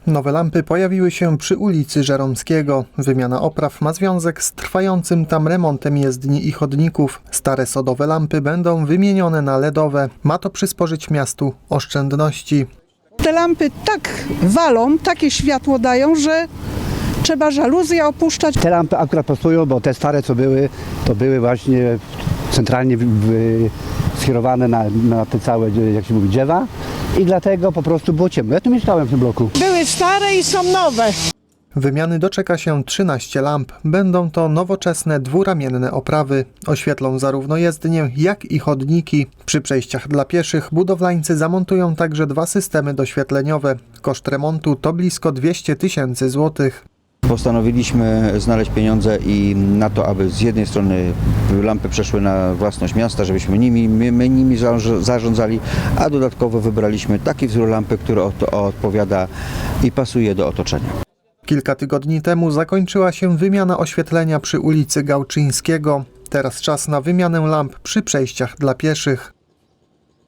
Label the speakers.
Speaker 1: Nowe lampy pojawiły się przy ulicy Żeromskiego. Wymiana opraw ma związek z trwającym tam remontem jezdni i chodników. Stare sodowe lampy będą wymienione na LEDowe. Ma to przysporzyć miastu oszczędności.
Speaker 2: Te lampy tak walą, takie światło dają, że trzeba żaluzje opuszczać.
Speaker 3: Te lampy akurat pasują, bo te stare co były, to były właśnie centralnie skierowane na te całe, jak się mówi, drzewa i dlatego po prostu było ciemno. Ja tu mieszkałem w tym bloku.
Speaker 2: Były stare i są nowe.
Speaker 1: Wymiany doczeka się 13 lamp. Będą to nowoczesne dwuramienne oprawy. Oświetlą zarówno jezdnię, jak i chodniki. Przy przejściach dla pieszych budowlańcy zamontują także 2 systemy doświetleniowe. Koszt remontu to blisko 200 000 złotych.
Speaker 4: Postanowiliśmy znaleźć pieniądze i na to, aby z jednej strony lampy przeszły na własność miasta, żebyśmy my nimi zarządzali, a dodatkowo wybraliśmy taki wzór lampy, który odpowiada i pasuje do otoczenia.
Speaker 1: Kilka tygodni temu zakończyła się wymiana oświetlenia przy ulicy Gałczyńskiego. Teraz czas na wymianę lamp przy przejściach dla pieszych.